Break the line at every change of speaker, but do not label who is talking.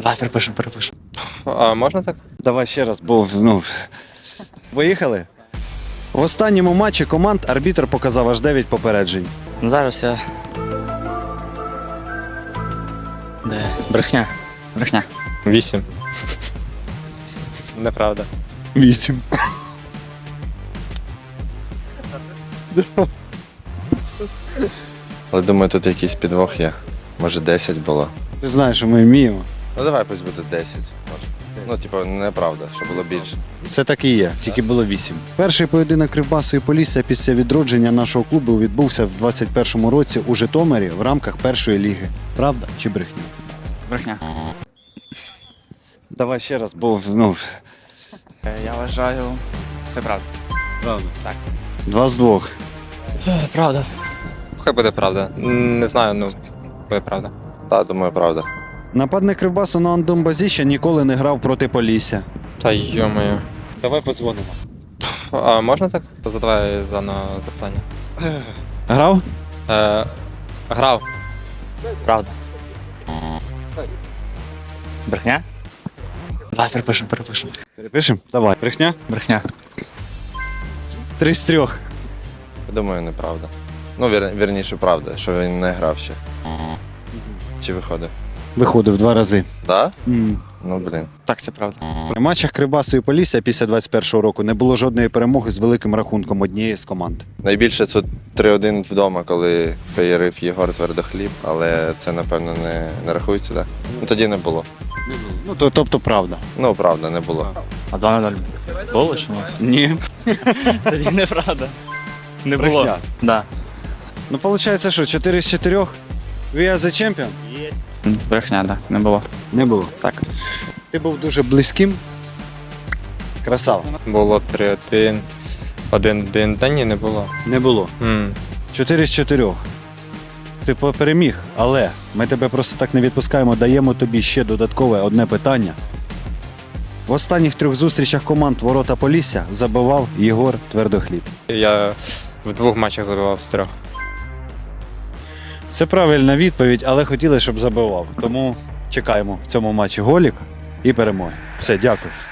Давай, перепишемо.
А можна так?
Давай ще раз, бо Поїхали. В останньому матчі команд арбітр показав аж 9 попереджень.
Ну, зараз я. Де? Брехня.
8. Неправда.
8.
Але думаю, тут якийсь підвох є. Може 10 було.
Ти знаєш, що ми вміємо.
Ну давай пусть буде 10. Може. Ну, типу, неправда, що було більше.
Це так і є, тільки було 8. Перший поєдинок Кривбасу і Полісся після відродження нашого клубу відбувся в 21-му році у Житомирі в рамках першої ліги. Правда чи брехня?
Брехня.
Давай ще раз, бо
Я вважаю. Це правда.
правда.
Так.
2 з 2.
Правда.
Хай буде правда. Не знаю, ну, буде правда.
Так, думаю, правда.
Нападник Кривбасу Ноан Домбазіща ніколи не грав проти Полісся.
Та йо-моє.
Давай подзвонимо.
А можна так? Задавай на запитання.
Грав?
Грав.
Правда. Брехня? Давай, перепишемо.
Перепишемо? Давай. Брехня?
Брехня.
3 з 3.
Думаю, неправда. Ну, вірніше, правда, що він не грав ще. Чи виходив?
Виходив 2 рази.
Так? Ну, блін.
Так, це правда.
У матчах Кривбасу і Полісся після 21-го року не було жодної перемоги з великим рахунком однієї з команд.
Найбільше це 3-1 вдома, коли феєрив Єгор Твердохліб, але це, напевно, не рахується, так? Ну, тоді не було.
Ну, тобто правда.
Ну, правда, не було.
А 2-0 було чи ні?
Ні.
Тоді неправда. Не
Брехня.
було. Да.
Ну, виходить, що 4 з 4? We are the champion?
Брехня, так. Не було.
Не було.
Так.
Ти був дуже близьким. Красава.
Було 3-1. 1-1. Та ні, не було.
Не було. 4 з 4. Ти переміг, але ми тебе просто так не відпускаємо, даємо тобі ще додаткове одне питання. В останніх 3 зустрічах команд Ворота Полісся забивав Єгор Твердохліб.
Я в 2 матчах забивав з 3.
Це правильна відповідь, але хотіли, щоб забивав. Тому чекаємо в цьому матчі голік і перемоги. Все, дякую.